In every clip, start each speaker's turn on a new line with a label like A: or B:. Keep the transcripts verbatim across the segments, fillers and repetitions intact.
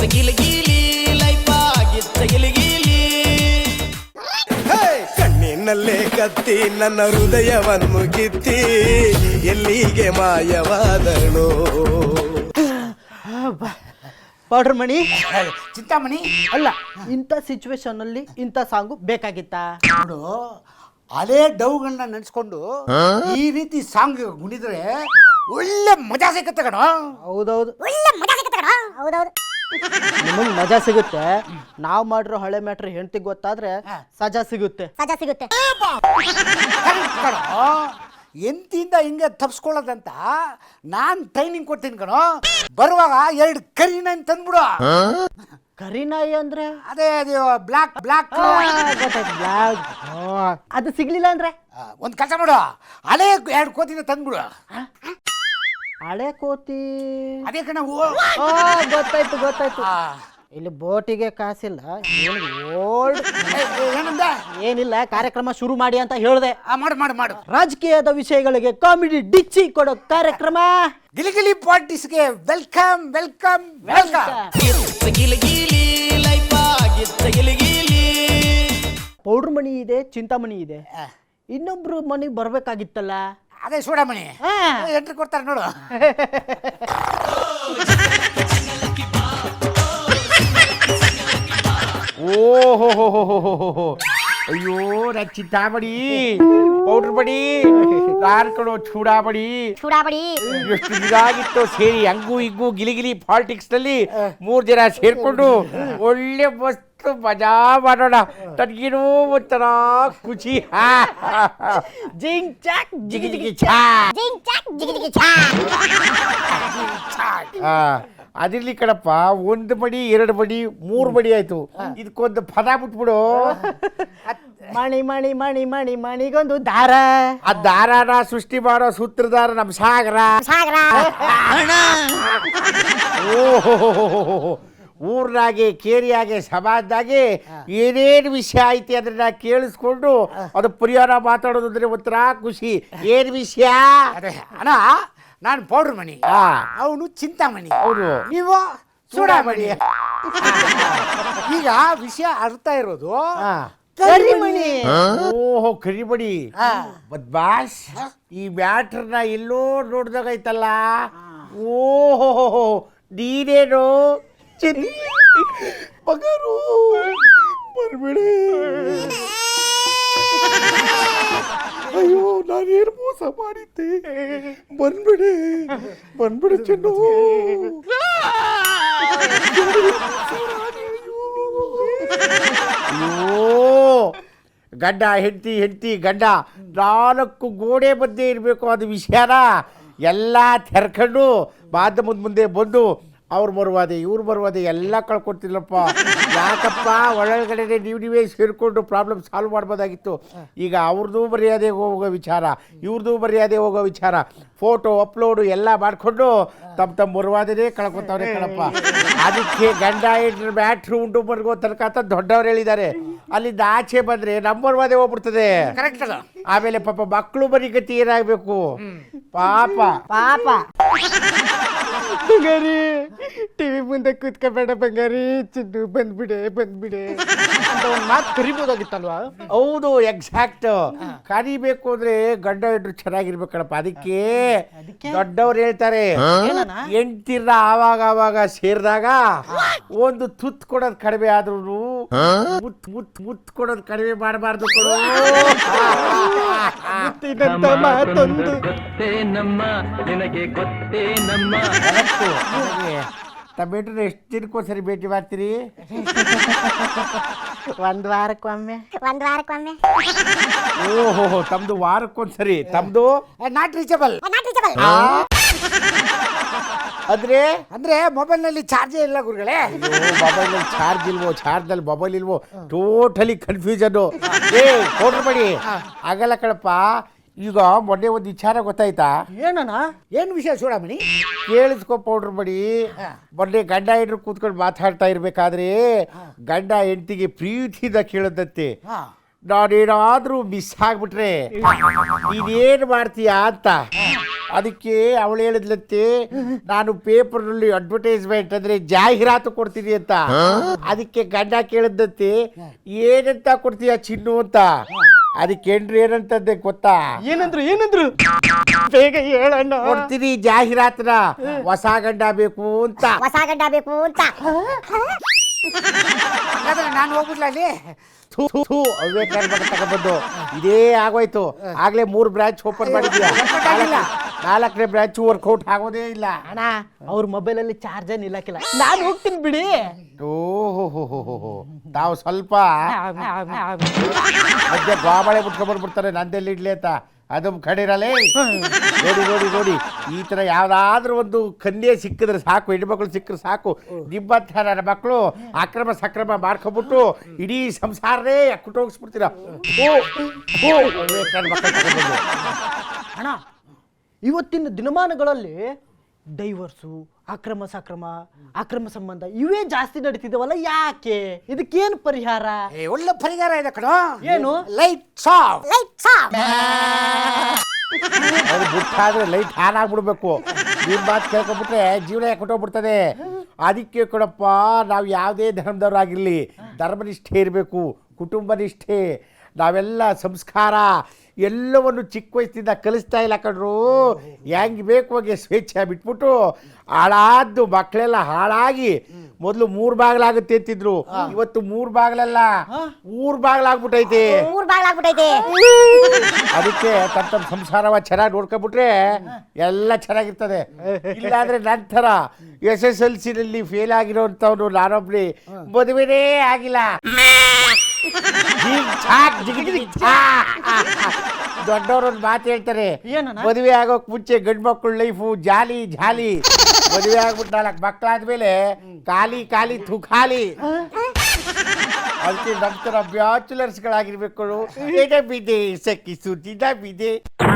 A: ಗಿಲಿಗಿಲಿ life ಆಗಿತ್ತ ಗಿಲಿಗಿಲಿ
B: ಕಣ್ಣಿನಲ್ಲೇ ಕತ್ತಿ ನನ್ನ ಹೃದಯವನ್ನು ಕಿತ್ತಿ ಎಲ್ಲಿಗೆ ಮಾಯವಾದಳು.
C: ಪೌಡ್ರ್ ಮಣಿ
D: ಚಿಂತಾಮಣಿ
C: ಅಲ್ಲ, ಇಂಥ ಸಿಚುವೇಶನ್ ಅಲ್ಲಿ ಇಂಥ ಸಾಂಗು ಬೇಕಾಗಿತ್ತಾ?
D: ನೋಡು, ಹಳೆ ಡೌಗಳನ್ನ ನೆನೆಸ್ಕೊಂಡು ಈ ರೀತಿ ಸಾಂಗ್ ಗುಣಿದ್ರೆ ಒಳ್ಳೆ ಮಜಾ ಸಿಗುತ್ತೆ ಕಣ.
C: ಹೌದೌದು,
E: ಒಳ್ಳೆ ಮಜಾ ಸಿಗುತ್ತೆ ಕಣ. ಹೌದೌದು,
C: ನಿಮಗೆ ಮಜಾ ಸಿಗುತ್ತೆ. ನಾವು ಮಾಡಿರೋ ಹಳೆ ಮ್ಯಾಟ್ರ್ ಹೆಂಡತಿಗೆ ಗೊತ್ತಾದ್ರೆ ಸಜಾ ಸಿಗುತ್ತೆ.
E: ಸಜಾ ಸಿಗುತ್ತೆ.
D: ಕಣ ಎಂತಿಂದ ಹಿಂಗೆ ತಪ್ಸ್ಕೊಳ್ಳೋದಂತ ನಾನು ಟ್ರೈನಿಂಗ್ ಕೊಡ್ತೀನಿ ಕಣೋ. ಬರುವಾಗ ಎರಡು ಕರಿನ ತಂದ್ಬಿಡು.
C: ಕರಿನಾಯಿ ಅಂದ್ರೆ
D: ಅದೇ ಅದು ಬ್ಲಾಕ್ ಬ್ಲಾಕ್
C: ಗೊತ್ತಾಯ್ತು, ಬ್ಲಾಕ್. ಅದು ಸಿಗ್ಲಿಲ್ಲ ಅಂದ್ರೆ
D: ಒಂದು ಕೆಲಸ ಮಾಡು, ಹಳೆ ಎರಡು ಕೋತಿನ ತಂದ್ಬಿಡು.
C: ಹಳೆ ಕೋತಿ.
D: ಅದೇ ಕಣ.
C: ಆ, ಗೊತ್ತಾಯ್ತು ಗೊತ್ತಾಯ್ತು. ಇಲ್ಲಿ ಬೋಟಿಗೆ ಕಾಸಿಲ್ಲ, ಓಲ್ಡ್
D: ಏನಂದ?
C: ಏನಿಲ್ಲ, ಕಾರ್ಯಕ್ರಮ ಶುರು ಮಾಡಿ ಅಂತ ಹೇಳ್ದೆ.
D: ಮಾಡು ಮಾಡು ಮಾಡು.
C: ರಾಜಕೀಯದ ವಿಷಯಗಳಿಗೆ ಕಾಮಿಡಿ ಡಿಚ್ಚಿ ಕೊಡೋ ಕಾರ್ಯಕ್ರಮ
D: ಗಿಲಿಗಿಲಿ ಪಾಲಿಟಿಕ್ಸ್ಗೆ ವೆಲ್ಕಮ್ ವೆಲ್ಕಮ್ ವೆಲ್ಕಮ್.
A: ಗಿಲಿಗಿಲಿ ಲೈಫ್ ಆಗಿತ್ತ ಗಿಲಿಗಿಲಿ.
C: ಪೌಡ್ರ್ ಮಣಿ ಇದೆ, ಚಿಂತಾಮಣಿ ಇದೆ, ಇನ್ನೊಬ್ರು ಮನೆಗೆ ಬರ್ಬೇಕಾಗಿತ್ತಲ್ಲ.
D: ಅದೇ ಸೂಡಮಣಿ ಎಂಟ್ರಿ ಕೊಡ್ತಾರೆ ನೋಡು. ಓಹೋ, ಅಯ್ಯೋ ನಾ ಚಿಂತಾಮಣಿ, ಪೌಡ್ರ್ ಬಡಿ, ನಾನ್ ಕಣೋ ಚೂಡಾಬಡಿ.
E: ಚೂಡಾಬಡಿ
D: ಎಷ್ಟು ಇದಾಗಿತ್ತು ಸೇರಿ ಹಂಗು ಹಿಂಗು ಗಿಲಿಗಿಲಿ ಪಾಲಿಟಿಕ್ಸ್ ನಲ್ಲಿ ಮೂರ್ ಜನ ಸೇರ್ಕೊಂಡು ಒಳ್ಳೆ ಮಸ್ತ್ ಮಜಾ ಮಾಡೋಣ. ತನ್ಗೇನೋ ಒಂಥರ ಖುಷಿ.
C: ಜಿಂಗ್ ಚಾಕ್
D: ಜಿಗಿ ಜಿಗಿ ಛಾ.
E: ಜಿಂಗ್ ಚಾಕ್ ಜಿಗಿ ಜಿಗಿ ಛಾ.
D: ಅದಿರ್ಲಿ ಕಣಪ್ಪ, ಒಂದು ಬಡಿ ಎರಡು ಬಡಿ ಮೂರು ಬಡಿ ಆಯ್ತು. ಇದಕ್ಕೊಂದು ಪದ ಬಿಟ್ಬಿಡು.
C: ಮಣಿ ಮಣಿ ಮಣಿ ಮಣಿ ಮಣಿಗೊಂದು ದಾರ.
D: ಆ ದಾರಾನ ಸೃಷ್ಟಿ ಮಾಡೋ ಸೂತ್ರಧಾರ ನಮ್ ಸಾಗರ.
E: ಸಾಗರ
D: ಓಹೋ, ಊರ್ನಾಗೆ ಕೇರಿಯಾಗೆ ಸಮಾಜದಾಗೆ ಏನೇನು ವಿಷಯ ಐತಿ ಅದನ್ನ ಕೇಳಿಸ್ಕೊಂಡು ಅದು ಪರಿಹಾರ ಮಾತಾಡೋದು ಅಂದ್ರೆ ಒಂಥರ ಖುಷಿ. ಏನ್ ವಿಷಯ? ಅಣ್ಣ, ನಾನು ಪೌಡ್ರ್ ಮಣಿ, ಅವನು ಚಿಂತಾಮಣಿ, ಅವನು ನೀವು ಚೂಡಾಮಣಿ. ಈಗ ವಿಷಯ ಅರ್ಥ ಇರೋದು
C: ಕರಿಮಣಿ.
D: ಓಹೋ, ಕರಿಮಣಿ ಬದ್ಮಾಶ್. ಈ ಮ್ಯಾಟ್ರನ್ನ ಎಲ್ಲೋ ನೋಡ್ದಾಗೈತಲ್ಲ. ಓಹೋ, ನೀನೇನು ಚೆನ್ನಿ ಮಗರು ಬರ್ಬೇಡಿ. ಅಯ್ಯೋ, ನಾನೇನು ಮೋಸ ಮಾಡಿದ್ದೆ. ಬಂದ್ಬಿಡೆ ಬಂದ್ಬಿಡೆ ಚೆನ್ನು. ಅಯ್ಯೋ, ಗಂಡ ಹೆಂಡತಿ ಹೆಂಡತಿ ಗಂಡ ನಾಲ್ಕು ಗೋಡೆ ಮಧ್ಯೆ ಇರಬೇಕು. ಅದು ವಿಷಯನ ಎಲ್ಲ ತೆರ್ಕೊಂಡು ಮಾಧ್ಯಮದ ಮುಂದೆ ಬಂದು ಅವ್ರು ಬರುವಾದೆ ಇವ್ರು ಬರುವಾದೆ ಎಲ್ಲ ಕಳ್ಕೊಡ್ತಿಲ್ಲಪ್ಪ. ಯಾಕಪ್ಪ, ಒಳಗಡೆ ನೀವು ನೀವೇ ಸೇರಿಕೊಂಡು ಪ್ರಾಬ್ಲಮ್ ಸಾಲ್ವ್ ಮಾಡ್ಬೋದಾಗಿತ್ತು. ಈಗ ಅವ್ರದ್ದು ಮರ್ಯಾದೆ ಹೋಗೋ ವಿಚಾರ, ಇವ್ರದ್ದು ಮರ್ಯಾದೆ ಹೋಗೋ ವಿಚಾರ, ಫೋಟೋ ಅಪ್ಲೋಡು ಎಲ್ಲ ಮಾಡಿಕೊಂಡು ತಮ್ಮ ತಮ್ಮ ಮರುವಾದನೇ ಕಳ್ಕೊತವ್ರೆ ಕಣಪ್ಪ. ಅದಕ್ಕೆ ಗಂಡ ಹೆಂಡ್ರ ಬ್ಯಾಟ್ರಿ ಉಂಟು ಮರ್ಗೋ ತನಕ ಅಂತ ದೊಡ್ಡವ್ರು ಹೇಳಿದ್ದಾರೆ. ಅಲ್ಲಿಂದ ಆಚೆ ಬಂದರೆ ನಮ್ಮ ಮರುವಾದೆ ಹೋಗ್ಬಿಡ್ತದೆ. ಕರೆಕ್ಟ್. ಆಮೇಲೆ ಪಾಪ ಮಕ್ಕಳು ಬರೀ ಗತಿ ಏನಾಗಬೇಕು ಪಾಪ
C: ಪಾಪ. ಬಂಗಾರಿ, ಟಿವಿ ಮುಂದೆ ಕೂತ್ಕೋಬೇಡ ಬಂಗಾರಿ, ಚಿನ್ನು ಬಂದ್ಬಿಡೆ ಬಂದ್ಬಿಡೆ ಅಂತ ಒಂದು ಮಾತು ಕರಿಬೋದಾಗಿತ್ತಲ್ವಾ?
D: ಹೌದು, ಎಕ್ಸಾಕ್ಟ್. ಕರಿಬೇಕು ಅಂದ್ರೆ ಗಂಡ ಹೆಂಡ್ರು ಚೆನ್ನಾಗಿರ್ಬೇಕಣಪ್ಪ. ಅದಕ್ಕೆ ದೊಡ್ಡವ್ರು ಹೇಳ್ತಾರೆ, ಹೆಂಡ್ತಿರ್ನ ಆವಾಗ ಆವಾಗ ಸೇರಿದಾಗ ಒಂದು ತುತ್ ಕೊಡೋದು ಕಡಿಮೆ ಆದ್ರೂ ಮುತ್ ಮುತ್ ಮುತ್ ಕೊಡೋದು ಕಡಿಮೆ ಮಾಡಬಾರ್ದು ಕೊಡು.
C: ಮಾತೊಂದು
A: ನಮ್ಮ ನಿನಗೆ ಗೊತ್ತೇ ನಮ್ಮ.
D: ತಮ್ಮೆಂಟ್ರನ್ನ ಎಷ್ಟು ದಿನಕ್ಕೊಂದ್ಸರಿ ಭೇಟಿ ಮಾಡ್ತೀರಿ?
C: ಒಂದ್ ವಾರಕ್ಕೊಮ್ಮೆ.
E: ಒಂದ್ ವಾರಕ್ಕೊಮ್ಮೆ.
D: ಓಹೋ, ತಮ್ದು ವಾರಕ್ಕೊಂದ್ಸರಿ. ತಮ್ದು ನಾಟ್ ರೀಚಬಲ್.
E: ನಾಟ್ ರೀಚಬಲ್
D: ಅಂದ್ರೆ ಅಂದ್ರೆ ಮೊಬೈಲ್ ನಲ್ಲಿ ಚಾರ್ಜೇ ಇಲ್ಲ ಗುರುಗಳೇ. ಮೊಬೈಲ್ ನಲ್ಲಿ ಚಾರ್ಜ್ ಇಲ್ವೋ, ಚಾರ್ಜ್ ನಲ್ಲಿ ಮೊಬೈಲ್ ಇಲ್ವೋ, ಟೋಟಲಿ ಕನ್ಫ್ಯೂಷನ್. ಏ ಕೊಡ್ರಿ ಬಡಿ ಆಗಲ್ಲ ಕಣಪ್ಪ. ಈಗ ಮೊನ್ನೆ ಒಂದು ವಿಚಾರ ಗೊತ್ತಾಯ್ತಾ?
C: ಏನಣ್ಣ?
D: ಏನು ವಿಷಯ ಚೂಡಾಮಣಿ? ಕೇಳಿಸ್ಕೊ ಪೌಡ್ರ್ ಬಡಿ. ಮೊನ್ನೆ ಗಂಡ ಹೆಂಡ್ರು ಕೂತ್ಕೊಂಡು ಮಾತಾಡ್ತಾ ಇರ್ಬೇಕಾದ್ರೆ ಗಂಡ ಹೆಂಡತಿಗೆ ಪ್ರೀತಿಯಿಂದ ಕೇಳದಂತೆ, ನಾನೇನಾದ್ರೂ ಮಿಸ್ ಆಗ್ಬಿಟ್ರೆ ನೀನೇನು ಮಾಡ್ತೀಯಾ ಅಂತ. ಅದಕ್ಕೆ ಅವಳು ಹೇಳಿದ್ಲಂತೆ ನಾನು ಪೇಪರ್ನಲ್ಲಿ ಅಡ್ವರ್ಟೈಸ್ಮೆಂಟ್ ಅಂದ್ರೆ ಜಾಹೀರಾತು ಕೊಡ್ತೀನಿ ಅಂತ. ಅದಕ್ಕೆ ಗಂಡ ಕೇಳಿದಂತೆ ಏನಂತ ಕೊಡ್ತೀಯ ಚಿನ್ನು ಅಂತ. ಅದಕ್ಕೆ ಏನ್ರಿ ಏನಂತಂದೆ ಗೊತ್ತಾ?
C: ಏನಂದ್ರು ಏನಂದ್ರು ಬೇಗ ಹೇಳಣ್ಣ.
D: ಕೊಡ್ತೀನಿ ಜಾಹೀರಾತನ, ಹೊಸ ಗಂಡ ಬೇಕು ಅಂತ.
E: ಹೊಸ ಗಡ್ಡ ಬೇಕು ಅಂತ.
F: ನಾನು ಹೋಗ್ಬಿಡ್ಲ ಅಲ್ಲಿ.
D: ಥು, ಥು, ಥು, ವಿವೇಕಾನಂದ ಬಗ್ಗೆ ತಗೊಂಡ್ಬಂದು ಇದೇ ಆಗೋಯ್ತು. ಆಗ್ಲೇ ಮೂರು ಬ್ರಾಂಚ್ ಓಪನ್ ಮಾಡಿದ್ಯಾ, ನಾಲ್ಕನೇ ಬ್ರಾಂಚ್ ವರ್ಕೌಟ್ ಆಗೋದೇ ಇಲ್ಲ.
C: ಅಣ್ಣ ಅವ್ರ ಮೊಬೈಲ್ ಅಲ್ಲಿ ಚಾರ್ಜ್ ನಿಲ್ಲಕ್ಕಿಲ್ಲ, ನಾನು ಹೋಗ್ತೀನಿ ಬಿಡಿ.
D: ಓಹೋ, ತಾವು ಸ್ವಲ್ಪ ಮಧ್ಯೆ ಗಾಬಳೆ ಬಿಟ್ಕೊಂಡ್ಬಂದ್ಬಿಡ್ತಾರೆ ನಂದೆಲ್ಲಿ ಇಡ್ಲಿ ಅಂತ. ಅದು ಕಡಿರಲೇ. ನೋಡಿ ನೋಡಿ ನೋಡಿ, ಈ ತರ ಯಾವ್ದಾದ್ರೂ ಒಂದು ಕನ್ಯೆ ಸಿಕ್ಕಿದ್ರೆ ಸಾಕು, ಹೆಣ್ಮಕ್ಳು ಸಿಕ್ಕರೆ ಸಾಕು, ನಿಮ್ಮಂಥ ನನ್ನ ಮಕ್ಕಳು ಅಕ್ರಮ ಸಕ್ರಮ ಮಾಡ್ಕೊಂಡ್ಬಿಟ್ಟು ಇಡೀ ಸಂಸಾರನೇ ಕುಟೋಗಿಸ್ಬಿಡ್ತೀರ.
C: ಅಣ್ಣ ಇವತ್ತಿನ ದಿನಮಾನಗಳಲ್ಲಿ ಡೈವರ್ಸು, ಅಕ್ರಮ ಸಕ್ರಮ, ಅಕ್ರಮ ಸಂಬಂಧ ಇವೇ ಜಾಸ್ತಿ ನಡೀತಿದ್ದಾವಲ್ಲ, ಯಾಕೆ? ಇದಕ್ಕೇನು ಪರಿಹಾರ?
F: ಏ, ಒಳ್ಳೆ ಪರಿಹಾರ ಇದೆ ಕಣೋ.
C: ಏನು?
F: ಲೈಟ್ ಸಾಫ್.
E: ಲೈಟ್ ಸಾಫ್.
D: ಅದು ಬಿಟ್ಟಾದ್ರೆ ಲೈಟ್ ಆನ್ ಆಗ್ಬಿಡ್ಬೇಕು. ನಿಮ್ಮ ಮಾತು ಕೇಳ್ಕೊಂಡ್ಬಿಟ್ರೆ ಜೀವನ ಕೊಟ್ಟೋಗ್ಬಿಡ್ತದೆ. ಅದಕ್ಕೆ ಕೊಡಪ್ಪ, ನಾವು ಯಾವುದೇ ಧರ್ಮದವರಾಗಿರಲಿ ಧರ್ಮನಿಷ್ಠೆ ಇರಬೇಕು, ಕುಟುಂಬ ನಿಷ್ಠೆ. ನಾವೆಲ್ಲ ಸಂಸ್ಕಾರ ಎಲ್ಲವನ್ನು ಚಿಕ್ಕ ವಯಸ್ಸಿಂದ ಕಲಿಸ್ತಾ ಇಲ್ಲ ಕಣ್ರು. ಹೆಂಗೆ ಬೇಕು ಹಾಗೆ ಸ್ವೇಚ್ಛೆ ಬಿಟ್ಬಿಟ್ಟು ಹಾಳಾದ್ದು ಮಕ್ಕಳೆಲ್ಲ ಹಾಳಾಗಿ ಮೊದಲು ಮೂರು ಬಾಗಿಲಾಗುತ್ತೆ ಅಂತಿದ್ರು, ಇವತ್ತು ಮೂರು ಬಾಗಿಲಲ್ಲ ಮೂರು ಬಾಗಿಲಾಗ್ಬಿಟ್ಟೈತೆ.
E: ಮೂರ್ ಬಾಗ್ಲಾಗ್ಬಿಟ್ಟೈತೆ.
D: ಅದಕ್ಕೆ ತಮ್ಮ ತಮ್ಮ ಸಂಸಾರವ ಚೆನ್ನಾಗಿ ನೋಡ್ಕೊಂಡ್ಬಿಟ್ರೆ ಎಲ್ಲ ಚೆನ್ನಾಗಿರ್ತದೆ. ಇಲ್ಲಾಂದ್ರೆ ನಂತರ ಎಸ್ ಎಸ್ ಎಲ್ ಸಿನಲ್ಲಿ ಫೇಲ್ ಆಗಿರೋಂಥವ್ನು ನಾನೊಬ್ಳಿ ಮದುವೆನೇ ಆಗಿಲ್ಲ. ಜಿಗ್ ಚಾಕ್ ಜಿಗ್ ಜಿಗ್ ಚಾಕ್. ದೊಡ್ಡವ್ರೊಂದು ಮಾತು ಹೇಳ್ತಾರೆ,
C: ಏನಣ್ಣ?
D: ಮದುವೆ ಆಗೋಕ್ ಮುಂಚೆ ಗಂಡು ಮಕ್ಕಳ ಲೈಫು ಜಾಲಿ ಜಾಲಿ, ಮದುವೆ ಆಗ್ಬಿಟ್ಟು ನಾಲ್ಕು ಮಕ್ಕಳಾದ್ಮೇಲೆ ಖಾಲಿ ಖಾಲಿ ಥುಖಾಲಿ. ಅದಕ್ಕೆ ನಂತರ ಬ್ಯಾಚುಲರ್ಸ್ಗಳಾಗಿರ್ಬೇಕು. ಎಡ ಬಿದೆ ಸಕ್ಕಿ ಸುದ್ದಿದ ಬಿದೆ.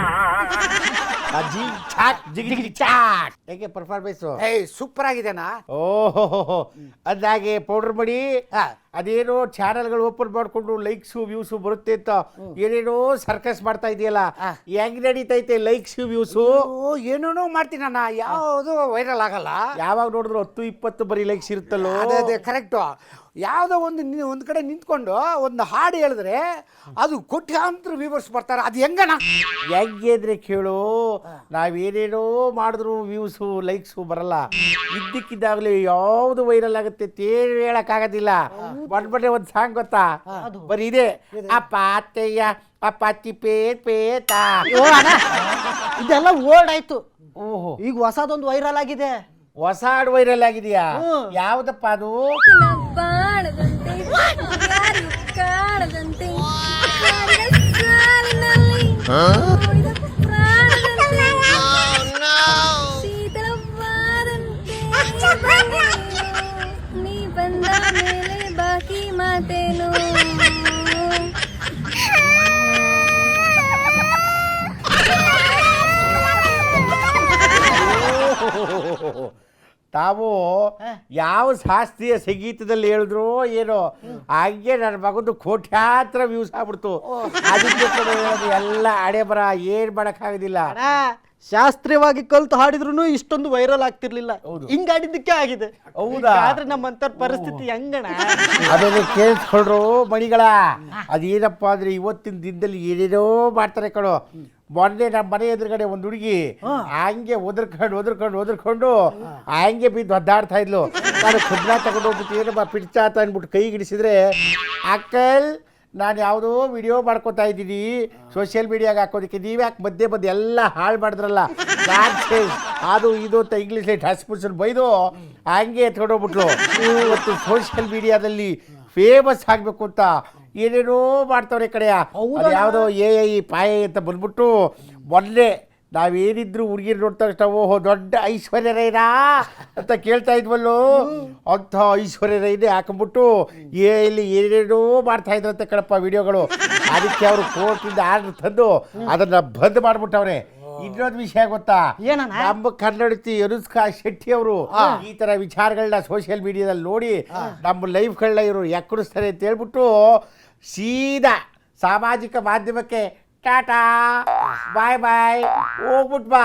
D: ಜಿಗ್ ಚಾಕ್ ಜಿಗ್ ಜಿಗ್ ಚಾಕ್. ಹೇಗೆ ಪರ್ಫಾರ್ಮೆನ್ಸ್?
F: ಏಯ್, ಸೂಪರ್ ಆಗಿದೆನಾ?
D: ಓಹೋ, ಅಂದಾಗೆ ಪೌಡರ್ ಮಾಡಿ ಅದೇನೋ ಚಾನಲ್ಗಳು ಓಪನ್ ಮಾಡ್ಕೊಂಡು ಲೈಕ್ಸು ವ್ಯೂಸು ಬರುತ್ತೆ ಅಂತ ಏನೇನೋ ಸರ್ಕಸ್ ಮಾಡ್ತಾ ಇದೆಯಲ್ಲ, ಹೆಂಗ್ ನಡೀತೈತೆ ಲೈಕ್ಸು ವ್ಯೂಸು?
F: ಓ, ಏನೇನೋ ಮಾಡ್ತೀನಣ್ಣ, ಯಾವುದು ವೈರಲ್ ಆಗಲ್ಲ.
D: ಯಾವಾಗ ನೋಡಿದ್ರು ಹತ್ತು ಇಪ್ಪತ್ತು ಬರೀ ಲೈಕ್ಸ್ ಇರುತ್ತಲ್ಲೋ.
F: ಅದೇ ಅದೇ ಕರೆಕ್ಟು. ಯಾವುದೋ ಒಂದು ನಿ- ಒಂದು ಕಡೆ ನಿಂತ್ಕೊಂಡು ಒಂದು ಹಾಡು ಹೇಳಿದ್ರೆ ಅದು ಕೋಟ್ಯಾಂತರ ವ್ಯೂವರ್ಸ್ ಬರ್ತಾರೆ. ಅದು ಹೆಂಗಣ್ಣ?
D: ಹೆಂಗೆ ಅಂದ್ರೆ ಕೇಳು, ನಾವೇನೇನೋ ಮಾಡಿದ್ರು ವ್ಯೂಸು ಲೈಕ್ಸು ಬರಲ್ಲ. ಇದ್ದಕ್ಕಿದ್ದಾಗಲೇ ಯಾವುದು ವೈರಲ್ ಆಗುತ್ತೆ ತೇರು ಹೇಳಕ್ಕಾಗೋದಿಲ್ಲ. ಬಂದ್ಬಿಟ್ರೆ ಒಂದು ಸಾಂಗ್ ಗೊತ್ತಾ? ಬರೀ ಇದೆ, ಅಪ್ಪ ಅತ್ತಯ್ಯ ಅಪ್ಪಾಚಿ ಪೇಟ್ ಪೇತ.
C: ಓ ಅಣ್ಣ, ಇದೆಲ್ಲ ಓಲ್ಡ್ ಆಯ್ತು.
D: ಓಹೋ,
C: ಈಗ ಹೊಸದೊಂದು ವೈರಲ್ ಆಗಿದೆ.
D: ಹೊಸ ಹಾಡು ವೈರಲ್ ಆಗಿದೆಯಾ?
C: ಹ್ಮ್.
D: ಯಾವ್ದಪ್ಪ ಅದು?
G: ಬಾಣದಂತೆ ಯಾರು ಕಾಣದಂತೆ ಸಾಲಿನಲ್ಲಿ ನೋಡಿದ ಪ್ರಾಣದಂತೆ ಶೀತಲವಾದಂತೆ ನೀ ಬಂದ ಮೇಲೆ ಬಾಕಿ ಮಾತೇನು?
D: ತಾವು ಯಾವ ಶಾಸ್ತ್ರೀಯ ಸಂಗೀತದಲ್ಲಿ ಹೇಳಿದ್ರು ಏನೋ, ಹಾಗೆ ನನ್ನ ಮಗದು ಕೋಟ್ಯಾಂತರ ವ್ಯೂಸ್ ಆಗ್ಬಿಡ್ತು. ಅದಕ್ಕೆ ಕೂಡ ಹೇಳೋದು ಎಲ್ಲ ಹಣೆ ಬರ, ಏನ್ ಮಾಡಕ್ಕಾಗೋದಿಲ್ಲ.
C: ಅಣ್ಣ, ಶಾಸ್ತ್ರೀಯವಾಗಿ ಕಲ್ತು ಹಾಡಿದ್ರು ಇಷ್ಟೊಂದು ವೈರಲ್ ಆಗ್ತಿರ್ಲಿಲ್ಲ. ಹಿಂಗ್ ಹಾಡಿದ್ದಕ್ಕೆ ಆಗಿದೆ.
D: ಹೌದಾ?
C: ಆದ್ರೆ ನಮ್ಮಂತವ್ರ ಪರಿಸ್ಥಿತಿ ಹೆಂಗಣ?
D: ಆಮೇಲೆ ಕೇಳಿಸ್ಕೊಳ್ರು ಮಣಿಗಳ, ಅದೇನಪ್ಪ ಅಂದ್ರೆ ಇವತ್ತಿನ ದಿನದಲ್ಲಿ ಏನೇನೋ ಮಾಡ್ತಾರೆ ಕಣೋ. ಮೊನ್ನೆ ನಮ್ಮ ಮನೆ ಎದುರುಗಡೆ ಒಂದು ಹುಡುಗಿ ಹಂಗೆ ಒದರ್ಕೊಂಡು ಒದರ್ಕೊಂಡು ಒದರ್ಕೊಂಡು ಹಂಗೆ ಬಿದ್ದು ಒದ್ದಾಡ್ತಾ ಇದ್ಲು. ನಾನು ಖುದ್ನ ತಗೊಂಡು ಹೋಗ್ಬಿಟ್ಟು ಏನಪ್ಪ ಪಿಡ್ಚಾತ ಅಂದ್ಬಿಟ್ಟು ಕೈ ಗಿಡಿಸಿದ್ರೆ, ಅಕ್ಕಲ್ ನಾನು ಯಾವುದೋ ವಿಡಿಯೋ ಮಾಡ್ಕೊತಾ ಇದ್ದೀನಿ ಸೋಷಿಯಲ್ ಮೀಡಿಯಾಗೆ ಹಾಕೋದಕ್ಕೆ, ನೀವ್ಯಾಕೆ ಮಧ್ಯೆ ಮಧ್ಯೆ ಎಲ್ಲ ಹಾಳು ಮಾಡಿದ್ರಲ್ಲ, ಅದು ಇದು ಅಂತ ಇಂಗ್ಲೀಷಲ್ಲಿ ಠಸ್ಪುಡ್ಸನ್ ಬೈದು ಹಂಗೆ ಎತ್ಕೊಂಡೋಗ್ಬಿಟ್ಲು. ಇವತ್ತು ಸೋಷಿಯಲ್ ಮೀಡಿಯಾದಲ್ಲಿ ಫೇಮಸ್ ಆಗಬೇಕು ಅಂತ ಏನೇನೋ ಮಾಡ್ತವ್ರೆ ಕಡೆಯ. ಯಾವುದೋ ಎ ಐ ಪಾಯ ಅಂತ ಬಂದ್ಬಿಟ್ಟು ಮೊನ್ನೆ ನಾವೇನಿದ್ರು ಹುಡುಗಿರು ನೋಡ್ತಾ ಇಷ್ಟ, ಓಹೋ ದೊಡ್ಡ ಐಶ್ವರ್ಯ ರೈನಾ ಅಂತ ಕೇಳ್ತಾ ಇದ್ವಲ್ಲೋ, ಅಂಥ ಐಶ್ವರ್ಯ ರೈನೇ ಹಾಕೊಂಡ್ಬಿಟ್ಟು ಎ ಇಲ್ಲಿ ಏನೇನೋ ಮಾಡ್ತಾ ಇದ್ರಂತೆ ಕಣಪ್ಪ ವಿಡಿಯೋಗಳು. ಅದಕ್ಕೆ ಅವರು ಕೋರ್ಟಿಂದ ಆರ್ಡರ್ ತಂದು ಅದನ್ನ ಬಂದ್ ಮಾಡ್ಬಿಟ್ಟವ್ರೆ. ಇನ್ನೊಂದು ವಿಷಯ ಗೊತ್ತಾ? ನಮ್ಮ ಕನ್ನಡತಿ ಅನುಷ್ಕಾ ಶೆಟ್ಟಿ ಅವರು ಈ ತರ ವಿಚಾರಗಳನ್ನ ಸೋಷಿಯಲ್ ಮೀಡಿಯಾದಲ್ಲಿ ನೋಡಿ ನಮ್ಮ ಲೈಫ್ಗಳನ್ನ ಇವರು ಎಕ್ಕಡಿಸ್ತಾರೆ ಅಂತ ಹೇಳ್ಬಿಟ್ಟು ಸೀದಾ ಸಾಮಾಜಿಕ ಮಾಧ್ಯಮಕ್ಕೆ ಟಾಟಾ ಬಾಯ್ ಬಾಯ್ ಹೋಗ್ಬಿಟ್ ಬಾ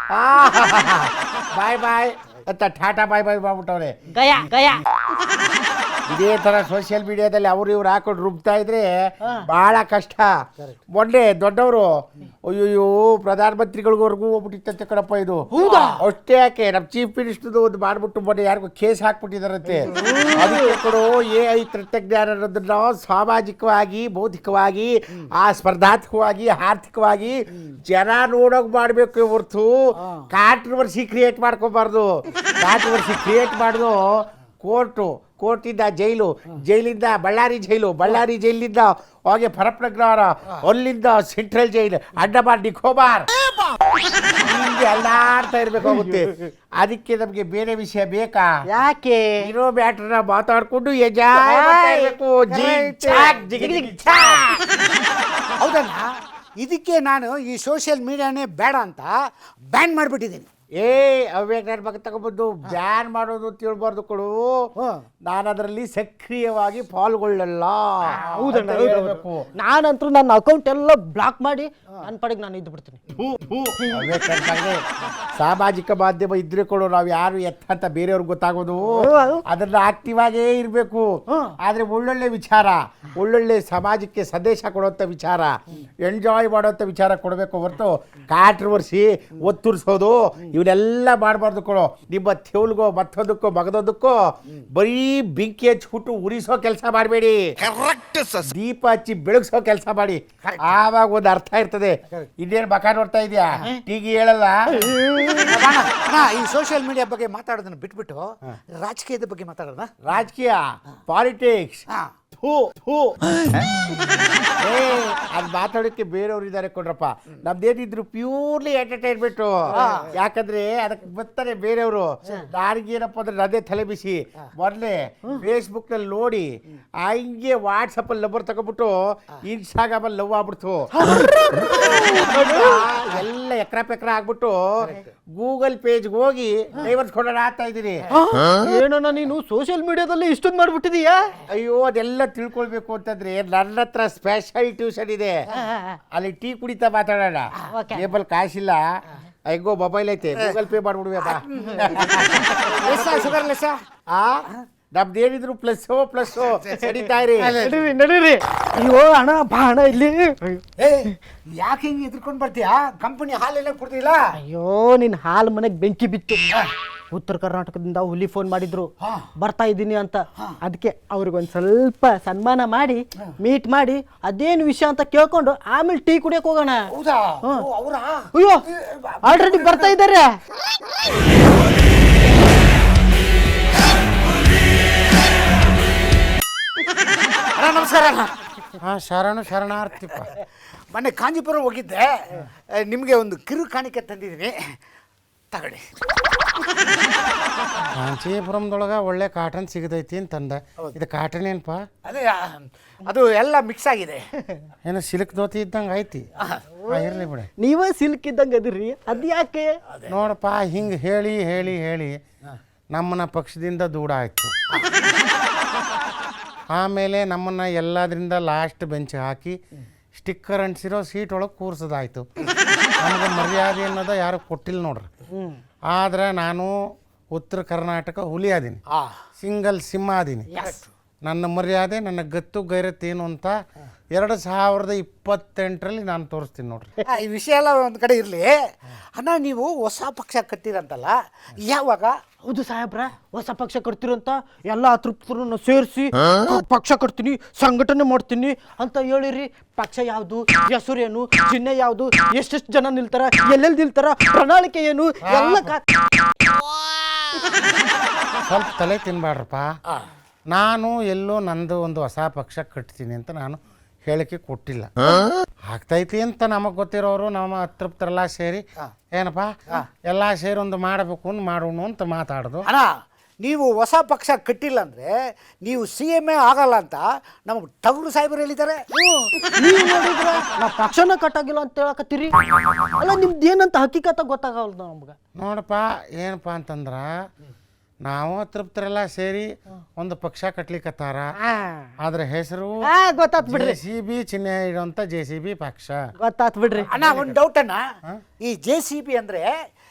D: ಬಾಯ್ ಬಾಯ್ ಅಂತ ಟಾಟಾ ಬಾಯ್ ಬಾಯ್ ಮಾಡ್ಬಿಟ್ಟವ್ರೆ.
C: ಗಯಾ ಗಯಾ
D: ಇದೇ ತರ ಸೋಷಿಯಲ್ ಮೀಡಿಯಾದಲ್ಲಿ ಅವ್ರು ಇವ್ರು ಹಾಕೊಂಡು ರುಬ್ತಾ ಇದ್ರೆ ಬಹಳ ಕಷ್ಟ. ಮೊನ್ನೆ ದೊಡ್ಡವರು ಅಯ್ಯೋ ಪ್ರಧಾನಮಂತ್ರಿಗಳಿವರೆಗೂ ಹೋಗ್ಬಿಟ್ಟಿತ್ತಂತೆ ಕಣಪ್ಪ ಇದು. ಅಷ್ಟೇ ಯಾಕೆ ನಮ್ಮ ಚೀಫ್ ಮಿನಿಸ್ಟರ್ದು ಒಂದು ಮಾಡ್ಬಿಟ್ಟು ಮೊನ್ನೆ ಯಾರಿಗೂ ಕೇಸ್ ಹಾಕ್ಬಿಟ್ಟಿದಾರಂತೆ. ಅದಕ್ಕೆ ಕೊಡು ಎ ಐ ತಂತ್ರಜ್ಞಾನ ಅನ್ನೋದನ್ನ ಸಾಮಾಜಿಕವಾಗಿ ಬೌದ್ಧಿಕವಾಗಿ ಆ ಸ್ಪರ್ಧಾತ್ಮಕವಾಗಿ ಆರ್ಥಿಕವಾಗಿ ಜನ ನೋಡೋಕ್ ಮಾಡ್ಬೇಕು ಹೊರ್ತು ಕಾಂಟ್ರವರ್ಸಿ ಕ್ರಿಯೇಟ್ ಮಾಡ್ಕೋಬಾರ್ದು. ಕಾಂಟ್ರವರ್ಸಿ ಕ್ರಿಯೇಟ್ ಮಾಡುದು ಕೋರ್ಟು, ಕೋರ್ಟಿಂದ ಜೈಲು, ಜೈಲಿಂದ ಬಳ್ಳಾರಿ ಜೈಲು, ಬಳ್ಳಾರಿ ಜೈಲಿಂದ ಹೋಗಿ ಪರಪ್ನಗರ, ಅಲ್ಲಿಂದ ಸೆಂಟ್ರಲ್ ಜೈಲು, ಅಂಡಮಾನ್ ನಿಕೋಬಾರ್, ಹಿಂಗೆ ಅಲ್ಲಾಡ್ತಾ ಇರ್ಬೇಕಾಗುತ್ತೆ. ಅದಕ್ಕೆ ನಮ್ಗೆ ಬೇರೆ ವಿಷಯ ಬೇಕಾ?
C: ಯಾಕೆ?
D: ಇರೋ ಬ್ಯಾಟ್ರನ್ನ ಮಾತಾಡ್ಕೊಂಡು ಎಂಜಾಯ್ ಮಾಡ್ತಾ ಇರ್ಬೇಕು. ಜಿಗ್ ಚಾಕ್, ಜಿಗ್ ಜಿಗ್ ಚಾಕ್.
F: ಹೌದಣ್ಣ, ಇದಕ್ಕೆ ನಾನು ಈ ಸೋಷಿಯಲ್ ಮೀಡಿಯಾನೇ ಬೇಡ ಅಂತ ಬ್ಯಾನ್ ಮಾಡಿಬಿಟ್ಟಿದ್ದೀನಿ.
D: ಏ ಅವ್ಯಾಗ ನನ್ನ ಮಗ ತಗೊಬಂದು ಬ್ಯಾನ್ ಮಾಡೋದು ತಿಳ್ಬಾರ್ದು ಕೊಡು. ನಾನು ಅದರಲ್ಲಿ ಸಕ್ರಿಯವಾಗಿ ಪಾಲ್ಗೊಳ್ಳಲ್ಲ.
C: ಹೌದಣ್ಣ,
D: ಅಂತ ಹೇಳ್ಬೇಕು.
C: ನಾನಂತೂ ನನ್ನ ಅಕೌಂಟ್ ಎಲ್ಲ ಬ್ಲಾಕ್ ಮಾಡಿ ನನ್ನ ಪಡೆಗೆ ನಾನು ಇದ್ದು ಬಿಡ್ತೀನಿ.
D: ಥು, ಥು. ಅವ್ಯಾಗ ನನ್ನ ಮಗನೇ, ಸಾಮಾಜಿಕ ಮಾಧ್ಯಮ ಇದ್ರೆ ಕೊಡು, ನಾವು ಯಾರು ಎತ್ತ ಅಂತ ಬೇರೆಯವ್ರಿಗೆ ಗೊತ್ತಾಗೋದು. ಅದನ್ನ ಆಕ್ಟಿವ್ ಆಗೇ ಇರಬೇಕು. ಆದ್ರೆ ಒಳ್ಳೊಳ್ಳೆ ವಿಚಾರ, ಒಳ್ಳೊಳ್ಳೆ ಸಮಾಜಕ್ಕೆ ಸಂದೇಶ ಕೊಡುವಂಥ ವಿಚಾರ, ಎಂಜಾಯ್ ಮಾಡುವಂಥ ವಿಚಾರ ಕೊಡಬೇಕು ಹೊರತು ಕಾಂಟ್ರವರ್ಸಿ ಒತ್ತುರ್ಸೋದು ಇವನ್ನೆಲ್ಲ ಮಾಡಬಾರ್ದು ಕೊಡು. ನಿಮ್ಮ ತೆವಲ್ಗೋ ಮತ್ತೊಂದಕ್ಕೋ ಮಗದೊಂದಕ್ಕೋ ಬರೀ ಬೆಂಕಿ ಹಚ್ಬಿಟ್ಟು ಉರಿಸೋ ಕೆಲಸ ಮಾಡಬೇಡಿ. ದೀಪ ಹಚ್ಚಿ ಬೆಳಗ್ಸೋ ಕೆಲಸ ಮಾಡಿ. ಆವಾಗ ಒಂದು ಅರ್ಥ ಇರ್ತದೆ. ಇನ್ನೇನು ಬಕ ನೋಡ್ತಾ ಇದೆಯಾ? ಟೀಗಿ ಹೇಳಲ್ಲ.
F: ಅಣ್ಣ, ಈ ಸೋಷಿಯಲ್ ಮೀಡಿಯಾ ಬಗ್ಗೆ ಮಾತಾಡೋದನ್ನ ಬಿಟ್ಬಿಟ್ಟು ರಾಜಕೀಯದ ಬಗ್ಗೆ ಮಾತಾಡೋಣ.
D: ರಾಜಕೀಯ, ಪಾಲಿಟಿಕ್ಸ್, ಅದು ಮಾತಾಡೋಕ್ಕೆ ಬೇರೆಯವ್ರು ಇದ್ದಾರೆ ಕೊಡ್ರಪ್ಪ. ನಮ್ದೇನಿದ್ರು ಪ್ಯೂರ್ಲಿ ಎಂಟರ್ಟೈನ್ಮೆಂಟ್. ಯಾಕಂದ್ರೆ ಅದಕ್ಕೆ ಬರ್ತಾರೆ ಬೇರೆಯವರು. ನಾರಿಗೇನಪ್ಪ ಅಂದ್ರೆ ಅದೇ ತಲೆ ಬಿಸಿ. ಮೊದಲೇ ಫೇಸ್ಬುಕ್ ನಲ್ಲಿ ನೋಡಿ ಹಂಗೆ ವಾಟ್ಸಪ್ ಅಲ್ಲಿ ನಂಬರ್ ತಗೊಂಡ್ಬಿಟ್ಟು ಇನ್ಸ್ಟಾಗ್ರಾಮ್ ಅಲ್ಲಿ ಲವ್ ಆಗ್ಬಿಡ್ತು. ಎಲ್ಲ ಎಕ್ರ ಪೆಕ್ರ ಆಗ್ಬಿಟ್ಟು ಗೂಗಲ್ ಪೇಜ್ಗೆ ಹೋಗಿ ಡೈವರ್ಸ್ ಕೊಡೋಣ ಆಗ್ತಾ ಇದ್ದೀನಿ.
C: ಏನಣ್ಣ ನೀನು ಸೋಷಿಯಲ್ ಮೀಡಿಯಾದಲ್ಲಿ ಇಷ್ಟೊಂದು ಮಾಡ್ಬಿಟ್ಟಿದೀಯಾ?
D: ಅಯ್ಯೋ, ಅದೆಲ್ಲ ತಿಳ್ಕೊಳ್ಬೇಕು ಅಂತಂದ್ರೆ ನನ್ನ ಹತ್ರ ಸ್ಪೆಷಲ್ ಟ್ಯೂಷನ್ ಇದೆ. ಅಲ್ಲಿ ಟೀ ಕುಡಿತಾ ಮಾತಾಡೋಣ. ಕೇಬಲ್ ಕಾಸಿಲ್ಲ, ಹೆಂಗೋ ಮೊಬೈಲ್ ಐತೆ, ಗೂಗಲ್ ಪೇ ಮಾಡ್ಬಿಡ್ಬೇಕಾ?
F: ಶುಗರ್ ಲೆಸ್
D: ಆ ನಮ್ದೇನಿದ್ರು ಪ್ಲಸ್ ಪ್ಲಸ್ ನಡೀತಾ ಇರಿ.
C: ನಡೀರಿ ನಡೀರಿ. ಅಯ್ಯೋ ಅಣ್ಣ ಬಾ ಅಣ್ಣ ಇಲ್ಲಿ.
F: ಏ, ಯಾಕೆ ಹಿಂಗೆ ಎದ್ಕೊಂಡು ಬರ್ತೀಯಾ? ಕಂಪನಿ ಹಾಲೆಲ್ಲ ಕೊಡ್ತಿಲ್ಲ.
C: ಅಯ್ಯೋ ನಿನ್ನ ಹಾಲು ಮನೆಗೆ ಬೆಂಕಿ ಬಿತ್ತು. ಉತ್ತರ ಕರ್ನಾಟಕದಿಂದ ಹುಲಿ ಫೋನ್ ಮಾಡಿದ್ರು ಬರ್ತಾ ಇದ್ದೀನಿ ಅಂತ. ಅದಕ್ಕೆ ಅವ್ರಿಗೊಂದು ಸ್ವಲ್ಪ ಸನ್ಮಾನ ಮಾಡಿ ಮೀಟ್ ಮಾಡಿ ಅದೇನು ವಿಷಯ ಅಂತ ಕೇಳ್ಕೊಂಡು ಆಮೇಲೆ ಟೀ ಕುಡಿಯಕ್ಕೆ ಹೋಗೋಣ.
F: ಹೌದಾ? ಅವರಾ?
C: ಅಯ್ಯೋ ಆಲ್ರೆಡಿ ಬರ್ತಾ ಇದ್ದಾರೆ.
F: ಅಣ್ಣ ನಮಸ್ಕಾರ.
D: ಹಾ, ಶರಣು ಶರಣಾರ್ಥಿಪ್ಪ.
F: ಮೊನ್ನೆ ಕಾಂಜೀಪುರ ಹೋಗಿದ್ದೆ, ನಿಮಗೆ ಒಂದು ಕಿರು ಕಾಣಿಕೆ ತಂದಿದ್ದೀನಿ, ತಗೊಳ್ಳಿ.
D: ಕಾಂಚೀಪುರಂದೊಳಗೆ ಒಳ್ಳೆ ಕಾಟನ್ ಸಿಗತೈತಿ ಅಂತಂದ. ಇದು ಕಾಟನ್ ಏನಪ್ಪ?
F: ಅದೇ ಅದು ಎಲ್ಲ ಮಿಕ್ಸ್ ಆಗಿದೆ.
D: ಏನೋ ಸಿಲ್ಕ್ ಧೋತಿ ಇದ್ದಂಗೆ ಐತಿ. ಇರಲಿ ಬಿಡಿ.
C: ನೀವೇ ಸಿಲ್ಕ್ ಇದ್ದಂಗೆ ಅದಿರಿ, ಅದು ಯಾಕೆ?
D: ನೋಡಪ್ಪ, ಹಿಂಗೆ ಹೇಳಿ ಹೇಳಿ ಹೇಳಿ ನಮ್ಮನ್ನ ಪಕ್ಷದಿಂದ ದೂರ ಆಯಿತು. ಆಮೇಲೆ ನಮ್ಮನ್ನ ಎಲ್ಲದರಿಂದ ಲಾಸ್ಟ್ ಬೆಂಚ್ ಹಾಕಿ ಸ್ಟಿಕ್ಕರ್ ಅಂಟಿಸಿರೋ ಸೀಟ್ ಒಳಗೆ ಕೂರ್ಸೋದಾಯ್ತು. ನಮಗೆ ಮರ್ಯಾದೆ ಅನ್ನೋದು ಯಾರು ಕೊಟ್ಟಿಲ್ಲ ನೋಡ್ರಿ. ಆದ್ರೆ ನಾನು ಉತ್ತರ ಕರ್ನಾಟಕ ಹುಲಿ ಅದೀನಿ, ಸಿಂಗಲ್ ಸಿಂಹ ಅದೀನಿ. ನನ್ನ ಮರ್ಯಾದೆ, ನನ್ನ ಗತ್ತು ಗೈರತ್ತೇನು ಅಂತ ಎರಡು ಸಾವಿರದ ಇಪ್ಪತ್ತೆಂಟರಲ್ಲಿ ನಾನು ತೋರಿಸ್ತೀನಿ ನೋಡ್ರಿ.
F: ಈ ವಿಷಯ ಎಲ್ಲ ಒಂದು ಕಡೆ ಇರಲಿ. ಅಣ್ಣ, ನೀವು ಹೊಸ ಪಕ್ಷ ಕಟ್ಟಿರಂತಲ್ಲ, ಯಾವಾಗ?
C: ಹೌದು ಸಾಹೇಬ್ರ, ಹೊಸ ಪಕ್ಷ ಕಟ್ತಿರಂತ ಎಲ್ಲ ಅತೃಪ್ತರನ್ನು ಸೇರಿಸಿ ಪಕ್ಷ ಕಟ್ತೀನಿ, ಸಂಘಟನೆ ಮಾಡ್ತೀನಿ ಅಂತ ಹೇಳಿರಿ. ಪಕ್ಷ ಯಾವುದು, ಹೆಸರು ಏನು, ಚಿಹ್ನೆ ಯಾವುದು, ಎಷ್ಟೆಷ್ಟು ಜನ ನಿಲ್ತಾರ, ಎಲ್ಲೆಲ್ಲಿ ನಿಲ್ತಾರ, ಪ್ರಣಾಳಿಕೆ ಏನು ಎಲ್ಲ
D: ಸ್ವಲ್ಪ ತಲೆ ತಿನ್ಬಾಡ್ರಪ್ಪ. ನಾನು ಎಲ್ಲೋ ನಂದು ಒಂದು ಹೊಸ ಪಕ್ಷ ಕಟ್ತೀನಿ ಅಂತ ನಾನು ಹೇಳಿಕೆ ಕೊಟ್ಟಿಲ್ಲ. ಆಗ್ತೈತಿ ಅಂತ ನಮಗೆ ಗೊತ್ತಿರೋರು ನಮ್ಮ ಅತೃಪ್ತರೆಲ್ಲ ಸೇರಿ ಏನಪ್ಪ ಎಲ್ಲ ಸೇರಿ ಒಂದು ಮಾಡಬೇಕು ಅಂತ ಮಾಡೋಣ ಅಂತ ಮಾತಾಡೋದು.
F: ಅಣ್ಣ, ನೀವು ಹೊಸ ಪಕ್ಷ ಕಟ್ಟಿಲ್ಲ ಅಂದರೆ ನೀವು ಸಿ ಎಮ್ ಎ ಆಗಲ್ಲ ಅಂತ ನಮಗೆ ಟಗರು ಸಾಹೇಬರು ಹೇಳಿದ್ದಾರೆ.
C: ನೀವು ನೋಡಿದ್ರ ನಾ ಪಕ್ಷನ ಕಟ್ಟಾಗಿಲ್ಲ ಅಂತ ಹೇಳಕತ್ತೀರಿ. ಅಲ್ಲ ನಿಮ್ದು ಏನಂತ ಹಕ್ಕಿಕತ ಗೊತ್ತಾಗಲ್ಲ ನಮ್ಗೆ.
D: ನೋಡಪ್ಪ, ಏನಪ್ಪ ಅಂತಂದ್ರೆ ನಾವು ಅತೃಪ್ತರೆಲ್ಲ ಸೇರಿ ಒಂದು ಪಕ್ಷ ಕಟ್ಲಿಕ್ಕತ್ತಾರ. ಆದ್ರೆ ಹೆಸರು
C: ಗೊತ್ತಾತ್ ಬಿಡ್ರಿ,
D: ಜೆ ಸಿ ಬಿ ಚಿಹ್ನೆ ಇಡುವಂತ ಜೆ ಸಿ ಬಿ ಪಕ್ಷ.
C: ಗೊತ್ತಾತ್ ಬಿಡ್ರಿ.
F: ಅಣ್ಣ, ಒಂದು ಡೌಟ್ ಅಣ್ಣ, ಈ ಜೆ ಸಿ ಬಿ ಅಂದ್ರೆ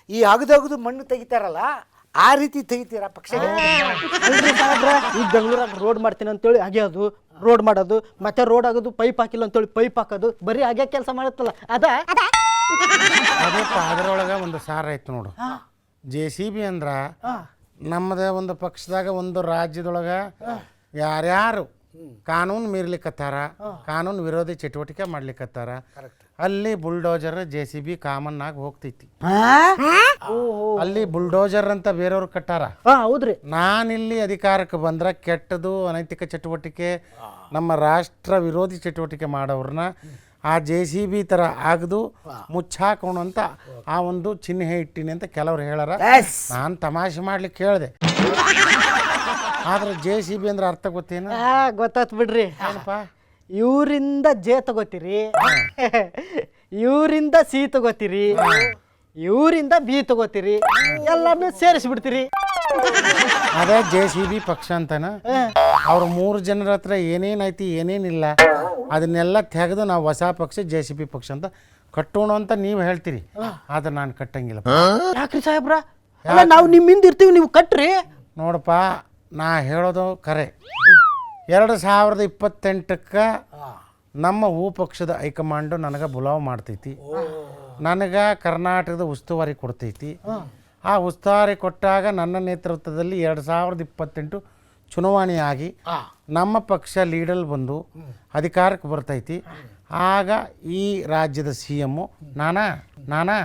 F: ಈ ಅಗದಗದು ಮಣ್ಣು ತೆಗಿತಾರಲ್ಲ ಆ ರೀತಿ ತೆಗಿತೀರಾ ಪಕ್ಷಗೆ?
C: ಅಲ್ರಿ ಸಾಹೇಬ್ರ, ಈಗ ಬೆಂಗಳೂರಾಗ ರೋಡ್ ಮಾಡ್ತೀನಿ ಅಂತೇಳಿ ಆಗ್ಯಾದು ರೋಡ್ ಮಾಡೋದು, ಮತ್ತೆ ರೋಡ್ ಆಗೋದು, ಪೈಪ್ ಹಾಕಿಲ್ಲ ಅಂತೇಳಿ ಪೈಪ್ ಹಾಕೋದು, ಬರೀ ಹಾಗೆ ಕೆಲಸ ಮಾಡುತ್ತಲ್ಲ ಅದ.
D: ಅದಕ್ಕೆ ಅದರೊಳಗೆ ಒಂದು ಸಾರ ಐತೆ ನೋಡು. ಜೆ ಸಿ ಬಿ ಅಂದ್ರ ನಮ್ಮದ ಒಂದು ಪಕ್ಷದಾಗ ಒಂದು ರಾಜ್ಯದೊಳಗೆ ಯಾರ್ಯಾರು ಕಾನೂನು ಮೀರ್ಲಿಕ್ಕತ್ತಾರ, ಕಾನೂನು ವಿರೋಧಿ ಚಟುವಟಿಕೆ ಮಾಡ್ಲಿಕ್ಕತ್ತಾರ, ಅಲ್ಲಿ bulldozer J C B common ಆಗಿ ಹೋಗ್ತೈತಿ. ಅಲ್ಲಿ ಬುಲ್ಡೋಜರ್ ಅಂತ ಬೇರೆಯವ್ರು ಕಟ್ಟಾರ.
C: ಹಾ ಹೌದ್ರಿ.
D: ನಾನಿಲ್ಲಿ ಅಧಿಕಾರಕ್ಕೆ ಬಂದ್ರೆ ಕೆಟ್ಟದು ಅನೈತಿಕ ಚಟುವಟಿಕೆ, ನಮ್ಮ ರಾಷ್ಟ್ರ ವಿರೋಧಿ ಚಟುವಟಿಕೆ ಮಾಡೋರನ್ನ ಆ ಜೆ ಸಿ ಬಿ ಥರ ಆಗದು ಮುಚ್ಚಾಕೋಣ ಅಂತ ಆ ಒಂದು ಚಿಹ್ನೆ ಇಟ್ಟಿನಿ ಅಂತ ಕೆಲವ್ರು ಹೇಳಾರ. ನಾನು ತಮಾಷೆ ಮಾಡ್ಲಿಕ್ಕೆ ಹೇಳಿದೆ. ಆದ್ರೆ ಜೆ ಸಿ ಬಿ ಅಂದ್ರೆ ಅರ್ಥ ಗೊತ್ತೇನು?
C: ಹಾ ಗೊತ್ತಾತ್ ಬಿಡ್ರಿ.
D: ಏನಪ್ಪ?
C: ಇವರಿಂದ ಜೆ ತಗೋತೀರಿ, ಇವರಿಂದ ಸಿ ತಗೋತೀರಿ, ಇವರಿಂದ ಬಿ ತಗೋತೀರಿ, ಎಲ್ಲಾನು ಸೇರಿಸ್ಬಿಡ್ತೀರಿ.
D: ಅದೇ ಜೆ ಸಿ ಬಿ ಪಕ್ಷ ಅಂತಾನ. ಅವ್ರ ಮೂರು ಜನರ ಹತ್ರ ಏನೇನೈತಿ ಏನೇನಿಲ್ಲ ಅದನ್ನೆಲ್ಲ ತೆಗೆದು ನಾವು ಹೊಸ ಪಕ್ಷ ಜೆ ಸಿ ಬಿ ಪಕ್ಷ ಅಂತ ಕಟ್ಟೋಣ ಅಂತ ನೀವು ಹೇಳ್ತೀರಿ. ಆದ್ರೆ ನಾನು ಕಟ್ಟಂಗಿಲ್ಲ.
C: ಯಾಕ್ರಿ ಸಾಹೇಬ್ರ? ಅಲ್ಲ ನಾವು ನಿಮ್ಮಿಂದ ಇರ್ತೀವಿ, ನೀವು ಕಟ್ರಿ.
D: ನೋಡಪ್ಪ, ನಾ ಹೇಳೋದು ಕರೆ. ಎರಡು ಸಾವಿರದ ಇಪ್ಪತ್ತೆಂಟಕ್ಕೆ ನಮ್ಮ ಹೂ ಪಕ್ಷದ ಹೈಕಮಾಂಡು ನನಗೆ ಬುಲಾವ್ ಮಾಡ್ತೈತಿ. ನನಗೆ ಕರ್ನಾಟಕದ ಉಸ್ತುವಾರಿ ಕೊಡ್ತೈತಿ. ಆ ಉಸ್ತುವಾರಿ ಕೊಟ್ಟಾಗ ನನ್ನ ನೇತೃತ್ವದಲ್ಲಿ ಎರಡು ಸಾವಿರದ ಇಪ್ಪತ್ತೆಂಟು ಚುನಾವಣೆ ಆಗಿ ನಮ್ಮ ಪಕ್ಷ ಲೀಡಲ್ ಬಂದು ಅಧಿಕಾರಕ್ಕೆ ಬರ್ತೈತಿ. ಆಗ ಈ ರಾಜ್ಯದ ಸಿ ಎಮ್ಮು ನಾನಾ ನಾನಾ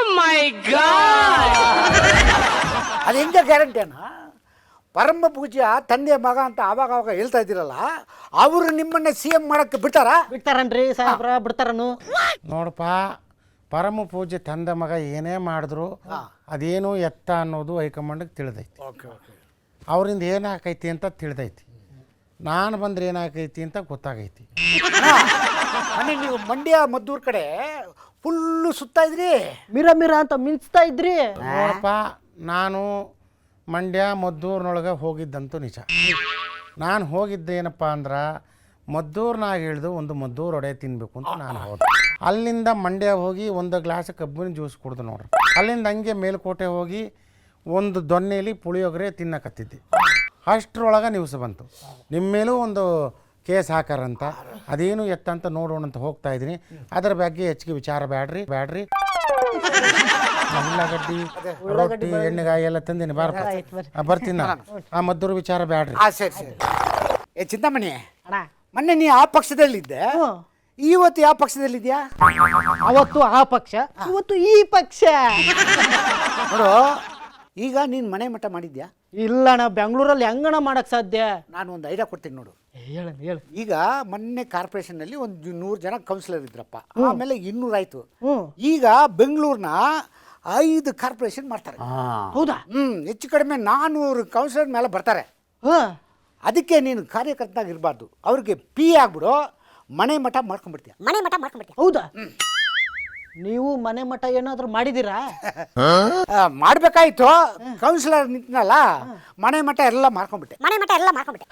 F: ಅದು ಹೆಂಗೆ ಗ್ಯಾರಂಟಿ ಅಣ್ಣ? ಪರಮ ಪೂಜ್ಯ ತಂದೆ ಮಗ ಅಂತ ಆವಾಗ ಅವಾಗ ಹೇಳ್ತಾ ಇದ್ದೀರಲ್ಲ, ಅವರು ನಿಮ್ಮನ್ನ ಸಿ ಎಂ ಮಾಡಕ್ಕೆ ಬಿಡ್ತಾರ?
C: ಬಿಡ್ತಾರನ್ರಿ ಸಾಹೇಬ್ರ, ಬಿಡ್ತಾರನು.
D: ನೋಡಪ್ಪ, ಪರಮ ಪೂಜ್ಯ ತಂದೆ ಮಗ ಏನೇ ಮಾಡಿದ್ರು ಅದೇನು ಎತ್ತ ಅನ್ನೋದು ಹೈಕಮಾಂಡ್ಗೆ ತಿಳಿದೈತಿ. ಅವರಿಂದ ಏನಾಕೈತಿ ಅಂತ ತಿಳಿದೈತಿ. ನಾನು ಬಂದ್ರೆ ಏನಾಕೈತಿ ಅಂತ ಗೊತ್ತಾಗೈತಿ.
F: ಮನೆ ನೀವು ಮಂಡ್ಯ ಮದ್ದೂರ್ ಕಡೆ ಫುಲ್ಲು ಸುತ್ತಾ ಇದ್ರಿ,
C: ಮಿರ ಮಿರ ಅಂತ ಮಿಂಚ್ತಾ ಇದ್ರಿ.
D: ನೋಡಪ್ಪ, ನಾನು ಮಂಡ್ಯ ಮದ್ದೂರಿನೊಳಗೆ ಹೋಗಿದ್ದಂತೂ ನಿಜ. ನಾನು ಹೋಗಿದ್ದೇನಪ್ಪ ಅಂದ್ರೆ ಮದ್ದೂರ್ನಾಗ ಇಳಿದು ಒಂದು ಮದ್ದೂರು ಒಡೆ ತಿನ್ನಬೇಕು ಅಂತ ನಾನು ಹೋದೆ. ಅಲ್ಲಿಂದ ಮಂಡ್ಯ ಹೋಗಿ ಒಂದು ಗ್ಲಾಸ್ ಕಬ್ಬಿನ ಜ್ಯೂಸ್ ಕುಡ್ದು ನೋಡ್ರಿ. ಅಲ್ಲಿಂದ ಹಂಗೆ ಮೇಲ್ಕೋಟೆ ಹೋಗಿ ಒಂದು ದೊನ್ನೆಯಲ್ಲಿ ಪುಳಿಯೋಗರೆ ತಿನ್ನಕತ್ತಿದ್ದೆ. ಅಷ್ಟರೊಳಗೆ ನ್ಯೂಸ್ ಬಂತು, ನಿಮ್ಮ ಮೇಲೂ ಒಂದು ಕೇಸ್ ಹಾಕಾರಂತ, ಅದೇನು ಎತ್ತಂತ ನೋಡೋಣ ಅಂತ ಹೋಗ್ತಾ ಇದ್ದೀನಿ. ಅದರ ಬಗ್ಗೆ ಹೆಚ್ಚಿಗೆ ವಿಚಾರ ಬ್ಯಾಡ್ರಿ ಬ್ಯಾಡ್ರಿ ಉಳ್ಳಾಗಡ್ಡಿ ರೊಟ್ಟಿ ಎಣ್ಣೆಗಾಯಿ ಎಲ್ಲ ತಂದೀನಿ, ಬಾರಪ್ಪ ಬರ್ತೀನಿ ನಾನು. ಆ ಮದ್ದೂರು ವಿಚಾರ ಬ್ಯಾಡ್ರಿ.
F: ಆ ಸರಿ ಸರಿ. ಏ ಚಿಂತಾಮಣಿ,
C: ಅಣ್ಣ,
F: ಮೊನ್ನೆ ನೀ ಆ ಪಕ್ಷದಲ್ಲಿದ್ದೆ, ಇವತ್ತು ಯಾವ ಪಕ್ಷದಲ್ಲಿದ್ಯಾ?
C: ಅವತ್ತು ಆ ಪಕ್ಷ, ಇವತ್ತು ಈ ಪಕ್ಷ.
F: ನೋಡು, ಈಗ ನೀನು ಮನೆ ಮಠ ಮಾಡಿದ್ಯಾ?
C: ಇಲ್ಲಣ್ಣ, ಬೆಂಗಳೂರಲ್ಲಿ ಹೆಂಗಣ ಮಾಡಕ್ ಸಾಧ್ಯ?
F: ನಾನು ಒಂದು ಐಡಿಯಾ ಕೊಡ್ತೀನಿ ನೋಡು.
C: ಹೇಳ ಹೇಳ.
F: ಈಗ ಮೊನ್ನೆ ಕಾರ್ಪೊರೇಷನ್ನಲ್ಲಿ ಒಂದು ನೂರು ಜನ ಕೌನ್ಸಿಲರ್ ಇದ್ರಪ್ಪ, ಆಮೇಲೆ ಇನ್ನೂರಾಯ್ತು.
C: ಹ್ಮ್.
F: ಈಗ ಬೆಂಗಳೂರಿನ ಐದು ಕಾರ್ಪೊರೇಷನ್ ಮಾಡ್ತಾರೆ.
C: ಹೌದಾ?
F: ಹ್ಮ್ ಹೆಚ್ಚು ಕಡಿಮೆ ನಾನ್ನೂರು ಕೌನ್ಸಿಲರ್ ಮೇಲೆ ಬರ್ತಾರೆ.
C: ಹ
F: ಅದಕ್ಕೆ ನೀನು ಕಾರ್ಯಕರ್ತನಾಗಿ ಇರಬಾರ್ದು, ಅವ್ರಿಗೆ ಪಿ ಆಗ್ಬಿಡು, ಮನೆ ಮಠ ಮಾಡ್ಕೊಂಡ್ಬಿಡ್ತೀಯ.
E: ಮನೆ ಮಠ ಮಾಡ್ಕೊಂಡ್ಬಿಡ್ತೀಯ.
C: ಹೌದಾ? ನೀವು ಮನೆ ಮಠ ಏನಾದ್ರು ಮಾಡಿದೀರಾ?
F: ಮಾಡ್ಬೇಕಾಯ್ತು, ಕೌನ್ಸಿಲರ್ ನಿಂತನಲ್ಲ, ಮನೆ ಮಠ ಎಲ್ಲ ಮಾಡ್ಕೊಂಡ್ಬಿಟ್ಟೆ.
E: ಮನೆ ಮಠ ಎಲ್ಲ ಮಾಡ್ಕೊಂಡ್ಬಿಟ್ಟೆ.